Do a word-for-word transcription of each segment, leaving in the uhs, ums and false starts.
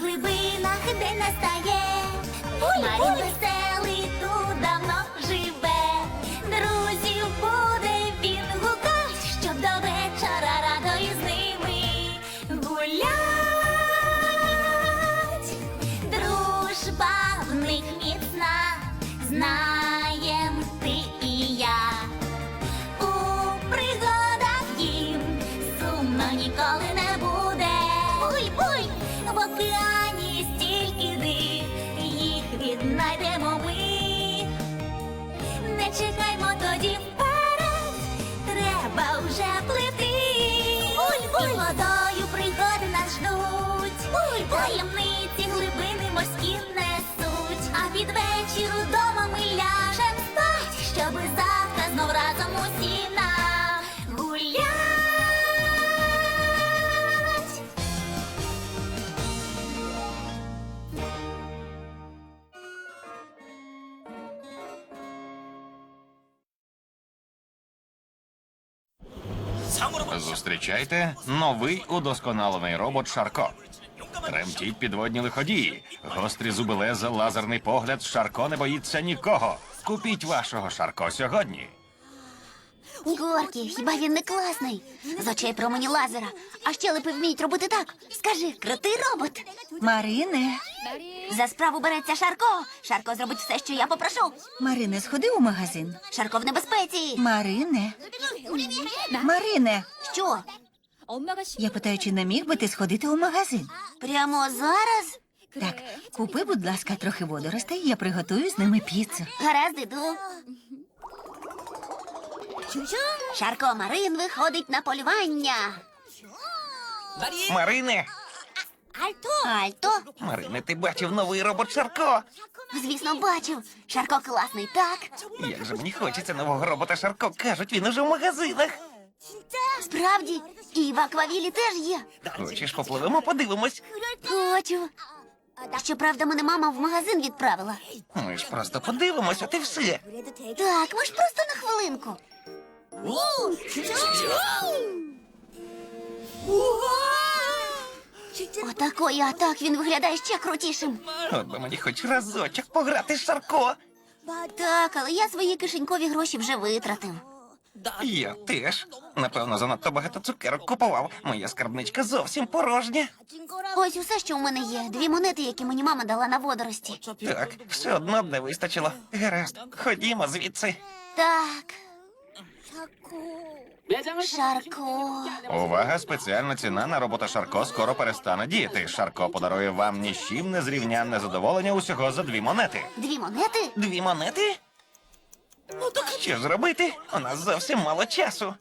глибинах день настає. Марін веселий тут давно живе. Друзів буде він гукать, щоб до вечора радо із ними гулять. Дружба в них міцна, знаєм ти і я. У пригадах їм сумно ніколи не буде. Буй-буй! В океані стільки див, їх віднайдемо ми. Не чекаймо тоді вперед, треба вже плити. Буль-буль! І водою пригоди нас ждуть. Буль-буль! Таємниці глибини морські несуть. А під вечір удома ми ляжем спать, щоби завтра знов разом усі нагулять. Зустрічайте новий удосконалений робот Шарко. Тремтіть підводні лиходії. Гострі зуби леза, лазерний погляд. Шарко не боїться нікого. Купіть вашого Шарко сьогодні. Горкі, хіба він не класний? З очей промені лазера. А щелепи вміють робити так. Скажи, крутий робот. Марине, За справу береться Шарко. Шарко зробить все, що я попрошу. Марине, сходи у магазин. Шарко в небезпеці. Марине, Марине, Що? я питаю, чи не міг би ти сходити у магазин? Прямо зараз? Так, купи, будь ласка, трохи водоростей, я приготую з ними піцу. Гаразд, іду. Шарко Марин виходить на полювання. Марине! Альто? Марине, ти бачив новий робот Шарко? Звісно, бачив. Шарко класний, так? Як же мені хочеться нового робота Шарко. Кажуть, він уже в магазинах. Справді, і в аквавілі теж є. Хочеш, попливемо, подивимось? Хочу. Щоправда, мене мама в магазин відправила. Ми ж просто подивимось, от і все. Так, ми ж просто на хвилинку. Отакої, а так він виглядає ще крутішим. От би мені хоч разочок пограти з Шарко. Так, але я свої кишенькові гроші вже витратив. Я теж. Напевно, занадто багато цукерок купував. Моя скарбничка зовсім порожня. Ось усе, що в мене є. Дві монети, які мені мама дала на водорості. Так, все одно б не вистачило. Гаразд, ходімо звідси. Так. Шарко. Увага, спеціальна ціна на робота Шарко скоро перестане діяти. Шарко подарує вам ні з чим незрівнянне задоволення усього за дві монети. Дві монети? Дві монети? Що ж робити? У нас зовсім мало часу.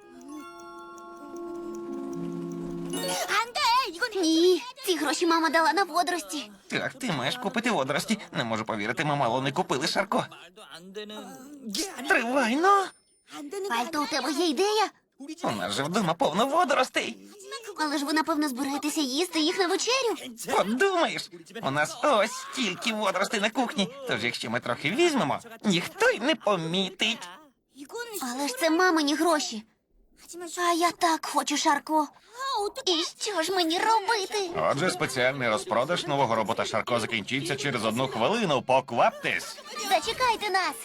Ні, ці гроші мама дала на водорості. Так, ти маєш купити водорості. Не можу повірити, ми мало не купили Шарко. Тривай, ну! Альто, у тебе є ідея? У нас же вдома повно водоростей. Але ж ви, напевно, збираєтеся їсти їх на вечерю. Подумаєш, у нас ось стільки водоростей на кухні. Тож, якщо ми трохи візьмемо, ніхто й не помітить. Але ж це мамині гроші. А я так хочу, Шарко. І що ж мені робити? Отже, спеціальний розпродаж нового робота Шарко закінчиться через одну хвилину. Покваптесь. Зачекайте нас.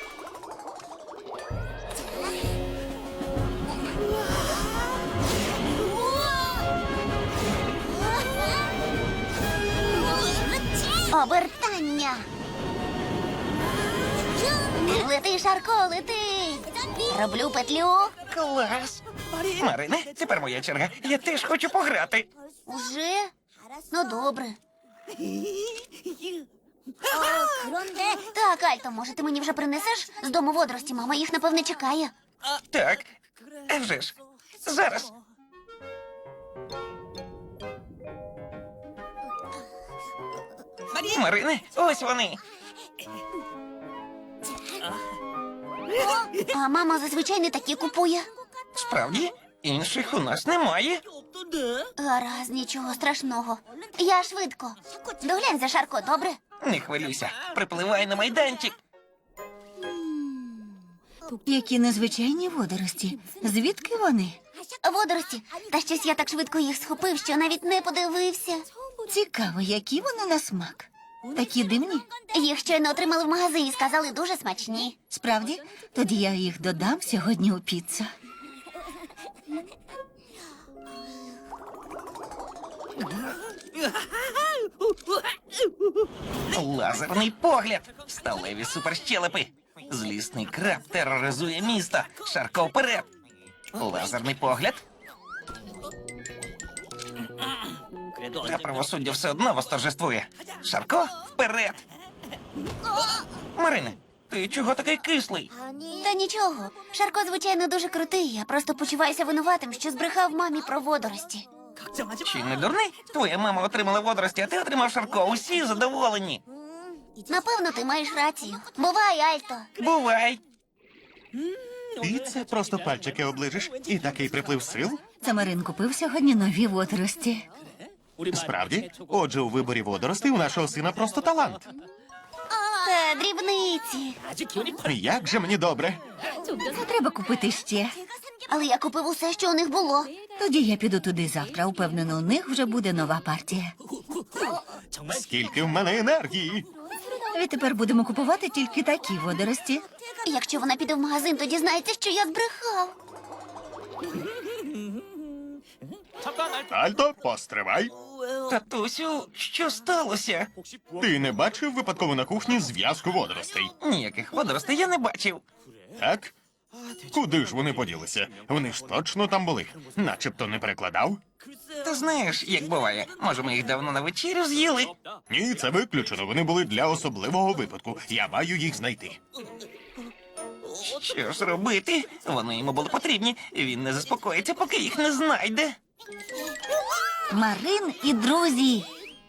Обертання. Лети, Шарко, лети. Роблю петлю. Клас! Марине, тепер моя черга. Я теж хочу пограти. Уже? Ну, добре. Так, Альто, може, ти мені вже принесеш з дому водорості? Мама їх, напевне, чекає. Так, а вже ж. Зараз. Марине, ось вони. А мама зазвичай не такі купує. Справді, інших у нас немає. Гаразд, нічого страшного. Я швидко. Доглянь за Шарко, добре? Не хвилюйся, припливай на майданчик. Які незвичайні водорості. Звідки вони? Водорості. Та щось я так швидко їх схопив, що навіть не подивився. Цікаво, які вони на смак. Такі дивні. Їх щойно отримали в магазині, сказали дуже смачні. Справді? Тоді я їх додам сьогодні у піцу. Лазерний погляд. Сталеві суперщелепи. Злісний краб тероризує місто. Шарко вперед. Лазерний погляд. Та правосуддя все одно восторжествує. Шарко вперед. Марине, ти чого такий кислий? Та нічого. Шарко, звичайно, дуже крутий. Я просто почуваюся винуватим, що збрехав мамі про водорості. Чи не дурний? Твоя мама отримала водорості, а ти отримав Шарко. Усі задоволені. Напевно, ти маєш рацію. Бувай, Альто. Бувай. І це просто пальчики оближиш, і такий приплив сил? Це Марин купив сьогодні нові водорості. Справді? Отже, у виборі водоростей у нашого сина просто талант. Та дрібниці. Як же мені добре. Не треба купити ще. Але я купив усе, що у них було. Тоді я піду туди завтра. Упевнено, у них вже буде нова партія. Скільки в мене енергії. Відтепер будемо купувати тільки такі водорості. Якщо вона піде в магазин, то дізнається, що я збрехав. Альто, постривай. Татусю, що сталося? Ти не бачив випадково на кухні зв'язку водоростей? Ніяких водоростей я не бачив. Так? Куди ж вони поділися? Вони ж точно там були. Начебто не перекладав? Ти знаєш, як буває, може, ми їх давно на вечерю з'їли? Ні, це виключено. Вони були для особливого випадку. Я маю їх знайти. Що ж робити? Вони йому були потрібні. Він не заспокоїться, поки їх не знайде. Марин і друзі.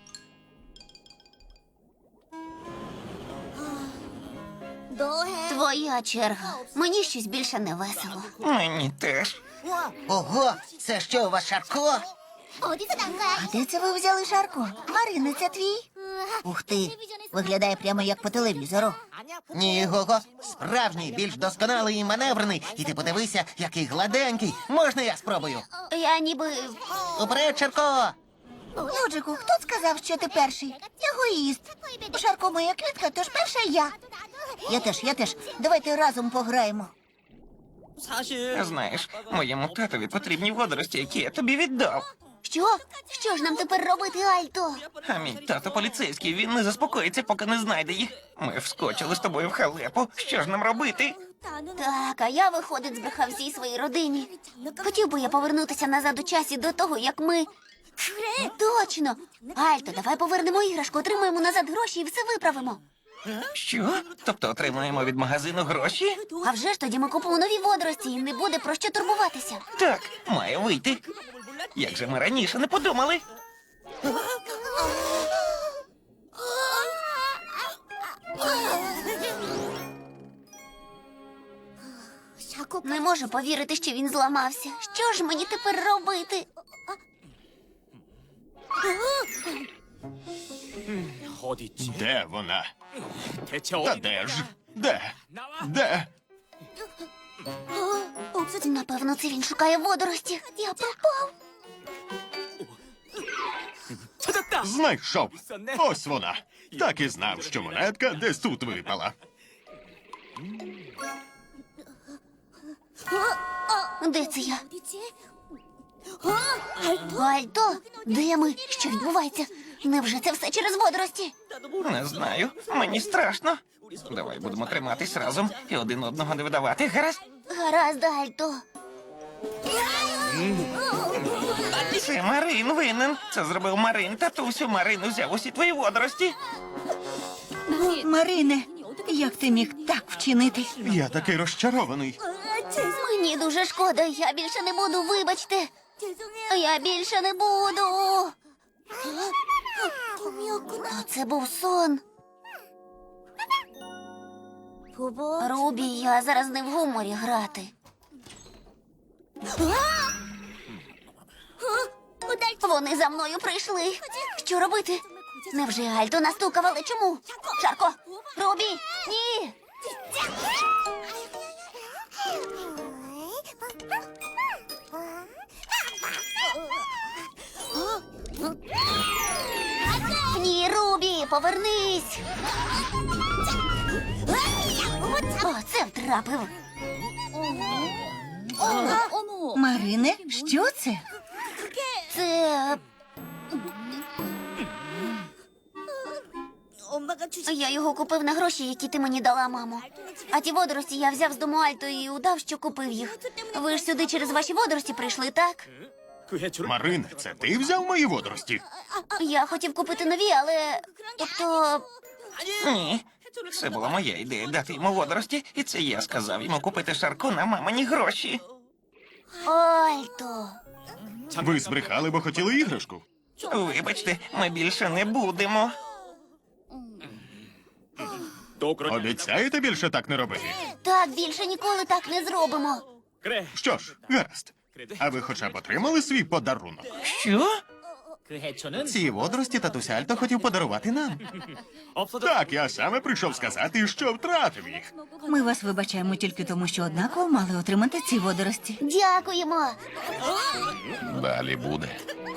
Твоя черга. Мені щось більше не весело. Мені теж. Ого, це що у вас Шарко? А де це ви взяли Шарко? Марина, це твій? Ух ти, виглядає прямо як по телевізору. Ні, Гого, справжній, більш досконалий і маневрений. І ти подивися, який гладенький. Можна я спробую? Я ніби. Уперед, Шарко! Лоджику, хто сказав, що ти перший? Егоїст. Шарко моя квітка, тож перша я. Я теж, я теж. Давайте разом пограємо. Знаєш, моєму татові потрібні водорості, які я тобі віддав. Що? Що ж нам тепер робити, Альто? А мій тато поліцейський, він не заспокоїться, поки не знайде їх. Ми вскочили з тобою в халепу. Що ж нам робити? Так, а я, виходить, збрехав всій своїй родині. Хотів би я повернутися назад у часі до того, як ми. Точно! Альто, давай повернемо іграшку, отримаємо назад гроші і все виправимо. Що? Тобто отримаємо від магазину гроші? А вже ж тоді ми купимо нові водорості і не буде про що турбуватися. Так, має вийти. Як же ми раніше не подумали? Не можу повірити, що він зламався. Що ж мені тепер робити? Де вона? Та де ж? Де? Де? Напевно, це він шукає водорості. Я пропав. Знайшов. Ось вона. Так і знав, що монетка десь тут випала. Де це я? Альто, де ми? Що відбувається? Невже це все через водорості? Не знаю. Мені страшно. Давай будемо триматись разом і один одного не видавати. Гаразд? Гаразд, Альто. Це Марин винен. Це зробив Марин. Татусю, Марин взяв усі твої водорості. Марине, як ти міг так вчинити? Я такий розчарований. Мені дуже шкода, я більше не буду, вибачте. Я більше не буду. А це був сон. Рубі, я зараз не в гуморі грати. Вони за мною прийшли. Що робити? Невже Альто настукав, але чому? Шарко! Рубі! Ні! Альті, повернись! О, це втрапив. Марине, що це? Це... Я його купив на гроші, які ти мені дала, мамо. А ті водорості я взяв з дому Альто і удав, що купив їх. Ви ж сюди через ваші водорості прийшли, так? Марине, це ти взяв мої водорості? Я хотів купити нові, але... Тобто... Ні. Це була моя ідея дати йому водорості, і це я сказав йому купити Шарко на мамині гроші. Альто... Ви збрехали, бо хотіли іграшку. Вибачте, ми більше не будемо. Обіцяєте більше так не робити? Так, більше ніколи так не зробимо. Що ж, гаразд. А ви хоча б отримали свій подарунок? Що? Ці водорості татуся Альто хотів подарувати нам. Так, я саме прийшов сказати, що втратив їх. Ми вас вибачаємо тільки тому, що однаково мали отримати ці водорості. Дякуємо. Далі буде.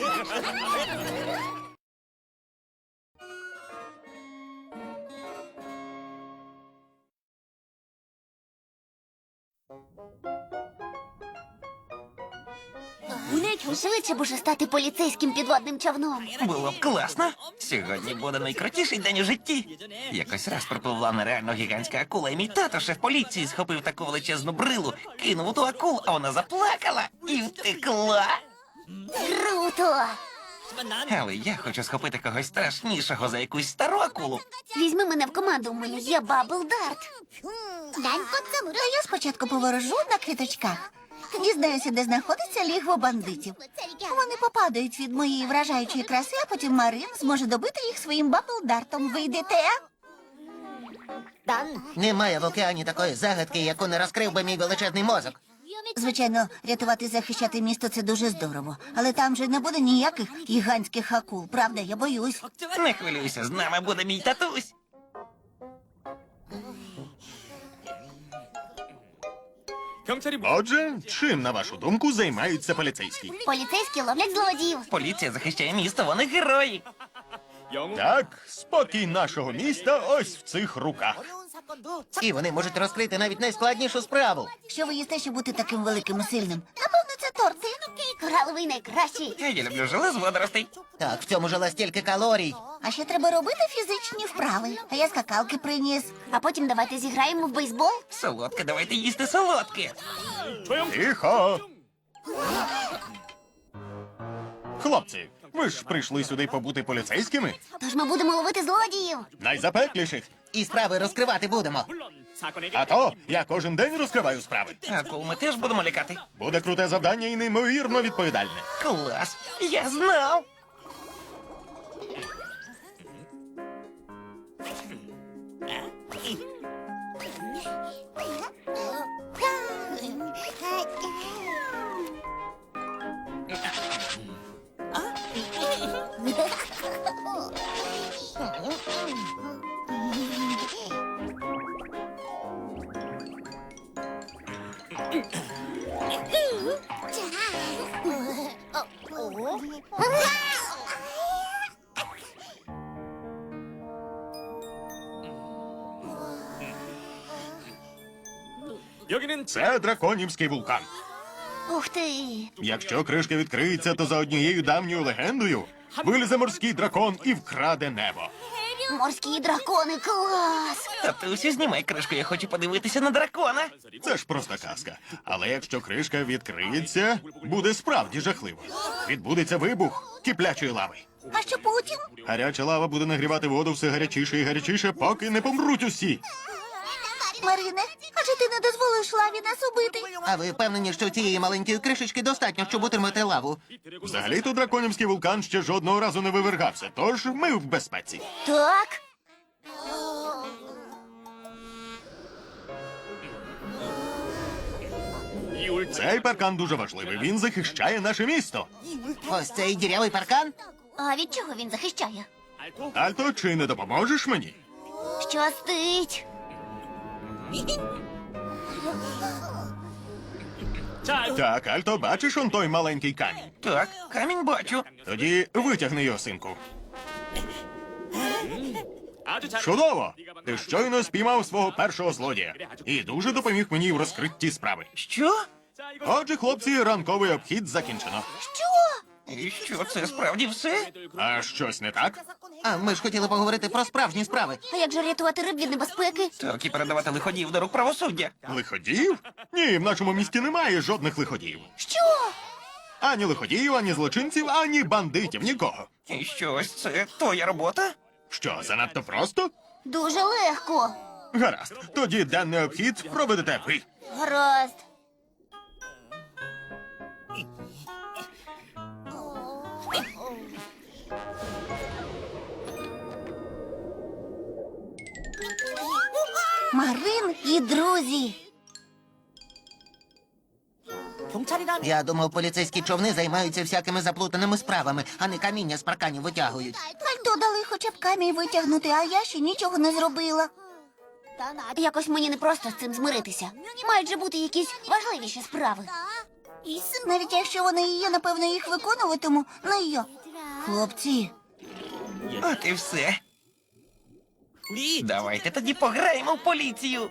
Швидше б уже стати поліцейським підводним човном. Було б класно. Сьогодні буде найкрутіший день у житті. Якось раз припливла нереально гігантська акула, і мій тато, шеф поліції, схопив таку величезну брилу, кинув у ту акулу, а вона заплакала і втекла. Круто! Але я хочу схопити когось страшнішого за якусь стару акулу. Візьми мене в команду, у мене є Бабл Дарт. А я спочатку поворожу на квіточках. Дізнаюся, де знаходиться лігво бандитів. Вони попадають від моєї вражаючої краси, а потім Марин зможе добити їх своїм бабл-дартом. Ви йдете? Немає в океані такої загадки, яку не розкрив би мій величезний мозок. Звичайно, рятувати і захищати місто – це дуже здорово. Але там же не буде ніяких гігантських акул. Правда, я боюсь. Не хвилюйся, з нами буде мій татусь. Отже, чим, на вашу думку, займаються поліцейські? Поліцейські ловлять злодіїв. Поліція захищає місто, вони герої. Так, спокій нашого міста ось в цих руках. І вони можуть розкрити навіть найскладнішу справу. Що ви їсте, щоб бути таким великим і сильним? Напевно, це торти. Кораловий найкращий. Я люблю желе з водоростей. Так, в цьому жила стільки калорій. А ще треба робити фізичні вправи. А я скакалки приніс. А потім давайте зіграємо в бейсбол. Солодке, давайте їсти солодке. Тихо! Хлопці, ви ж прийшли сюди побути поліцейськими? Тож ми будемо ловити злодіїв. Найзапекліших. І справи розкривати будемо. А то я кожен день розкриваю справи. Акул ми теж будемо лякати. Буде круте завдання і неймовірно відповідальне. Клас, я знав. Це драконівський вулкан. Ух ти. Якщо кришка відкриється, то за однією давньою легендою вилізе морський дракон і вкраде небо. Морські дракони, клас. Татусю, знімай кришку, я хочу подивитися на дракона. Це ж просто казка. Але якщо кришка відкриється, буде справді жахливо. Відбудеться вибух киплячої лави. А що потім? Гаряча лава буде нагрівати воду все гарячіше і гарячіше, поки не помруть усі. Марине, адже ти не дозволиш лаві нас убити? А ви впевнені, що цієї маленької кришечки достатньо, щоб утримати лаву? Взагалі-то драконівський вулкан ще жодного разу не вивергався, тож ми в безпеці. Так. Цей паркан дуже важливий. Він захищає наше місто. Ось цей дірявий паркан? А від чого він захищає? Альто, чи не допоможеш мені? Щастить. Так, Альто, бачиш он той маленький камінь? Так, камінь бачу. Тоді витягни його, синку. Чудово! Ти щойно спіймав свого першого злодія і дуже допоміг мені в розкритті справи. Що? Отже, хлопці, ранковий обхід закінчено. І що, це справді все? А щось не так? А ми ж хотіли поговорити про справжні справи. А як же рятувати риб від небезпеки? Так і передавати лиходіїв до рук правосуддя. Лиходіїв? Ні, в нашому місті немає жодних лиходіїв. Що? Ані лиходіїв, ані злочинців, ані бандитів, нікого. І що, ось це твоя робота? Що, занадто просто? Дуже легко. Гаразд, тоді денний обхід проведете ви. Гаразд. Марин і друзі. Я думав, поліцейські човни займаються всякими заплутаними справами, а не каміння з парканів витягують. Альто дали хоча б камінь витягнути, а я ще нічого не зробила. Якось мені не просто з цим змиритися. Мають же бути якісь важливіші справи. Навіть якщо вони і є, напевно, їх виконуватиму не я. Хлопці, От і все. Давайте тоді пограємо в поліцію.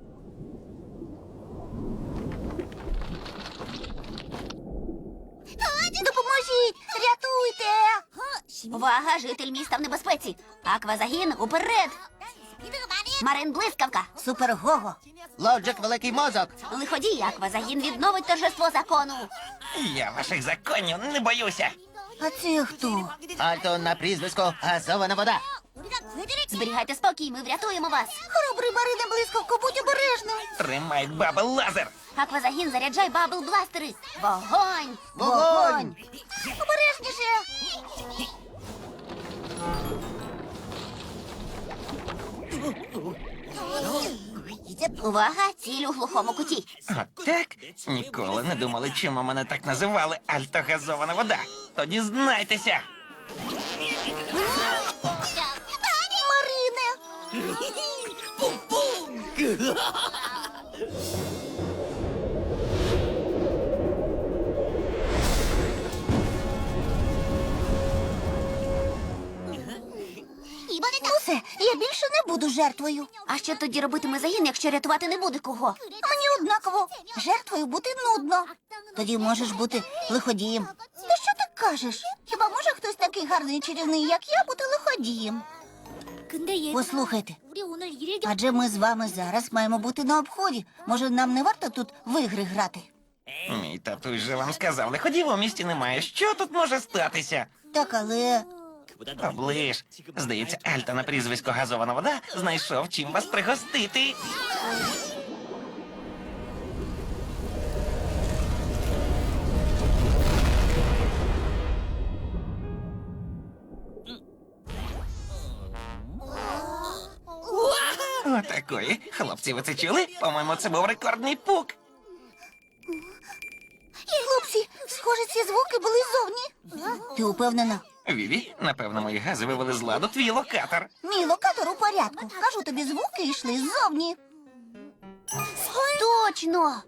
допоможіть! Рятуйте! Увага, житель міста в небезпеці. Аквазагін уперед. Марин блискавка. Супер Гого! Лоджик великий мозок. Лиходій, аквазагін відновить торжество закону. Я ваших законів не боюся. А це хто? Альто на прізвисько газована вода. Зберігайте спокій, ми врятуємо вас. Хоробрий Марине блискавко, будь обережним! Тримай бабл лазер. Аквазагін, заряджай бабл бластери. Вогонь! Вогонь! Обережніше! Увага, ціль у глухому куті. От так? Ніколи не думали, чому мене так називали альтогазована вода. Тоді знайтеся. Марине! Усе, я більше не буду жертвою. А що тоді робитиме загін, якщо рятувати не буде кого? Мені однаково. Жертвою бути нудно. Тоді можеш бути лиходієм. Та що ти кажеш? Хіба може хтось такий гарний і чарівний, як я, бути лиходієм? Послухайте, адже ми з вами зараз маємо бути на обході. Може, нам не варто тут в ігри грати? Мій татусь же вам сказав, лиходів у місті немає. Що тут може статися? Так, але Оближ. Здається, Альта на прізвисько газована вода знайшов чим вас пригостити. Отакої. Хлопці, ви це чули? По-моєму, це був рекордний пук. хлопці, схоже, ці звуки були ззовні. Ти упевнена? Віві, напевно, мої гази вивели з ладу твій локатор. Мій локатор у порядку. Кажу тобі, звуки йшли ззовні. Точно!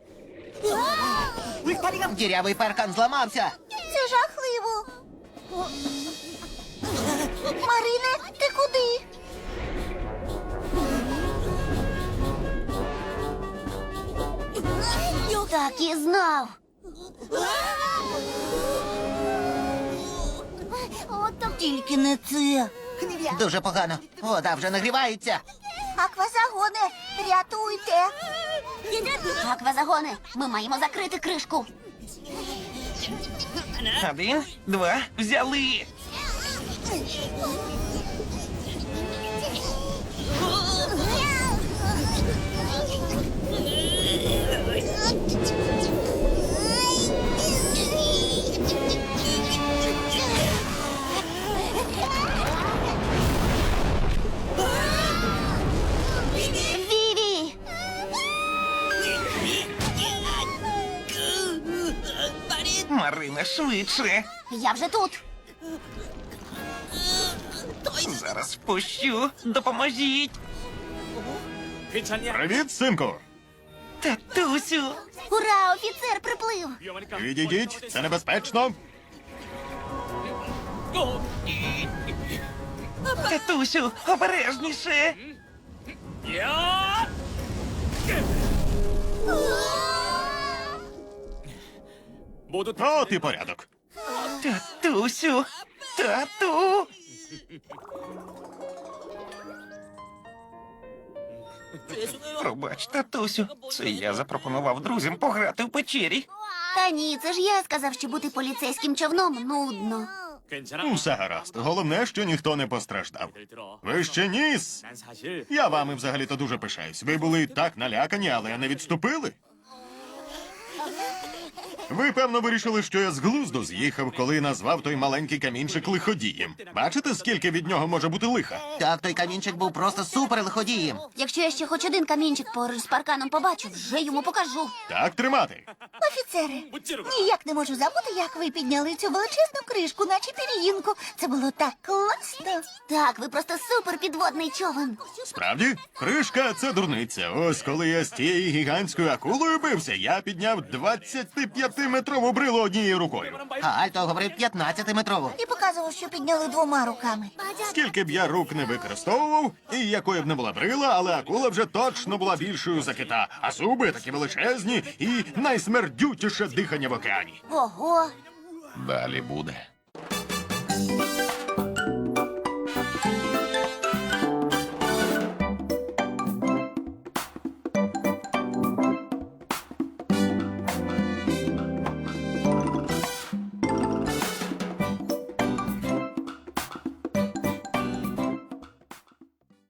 Дірявий паркан зламався. Це жахливо. Марине, ти куди? Так і знав. Тільки не це. Дуже погано. Вода вже нагрівається. Аквазагоне, рятуйте. Аквазагони, ми маємо закрити кришку. Один, два, взяли. Віві! Марина, швидше. Я вже тут. Зараз впущу. Допоможіть. Привіт, синку. Татусю. Ура, офіцер приплив. Відійдіть, це небезпечно. Татусю, обережніше. От і порядок. Татусю, тату. Пробач, татусю, це я запропонував друзям пограти в печері. Та ні, це ж я сказав, що бути поліцейським човном нудно. Усе гаразд. Головне, що ніхто не постраждав. Ви ще ніс! Я вами взагалі-то дуже пишаюсь. Ви були так налякані, але не відступили. Ви, певно, вирішили, що я з глузду з'їхав, коли назвав той маленький камінчик лиходієм. Бачите, скільки від нього може бути лиха? Так, той камінчик був просто супер лиходієм. Якщо я ще хоч один камінчик поруч з парканом побачу, вже йому покажу. Так тримати. Офіцери, ніяк не можу забути, як ви підняли цю величезну кришку, наче пір'їнку. Це було так класно. Так, ви просто супер підводний човен. Справді, кришка це дурниця. Ось коли я з тією гігантською акулою бився, я підняв двадцятип'ятиметрову брилу однією рукою. А Альто говорив п'ятнадцятиметрову. І показував, що підняли двома руками. Скільки б я рук не використовував, і якою б не була брила, але акула вже точно була більшою за кита, а зуби такі величезні і найсмердютіше дихання в океані. Ого. Далі буде.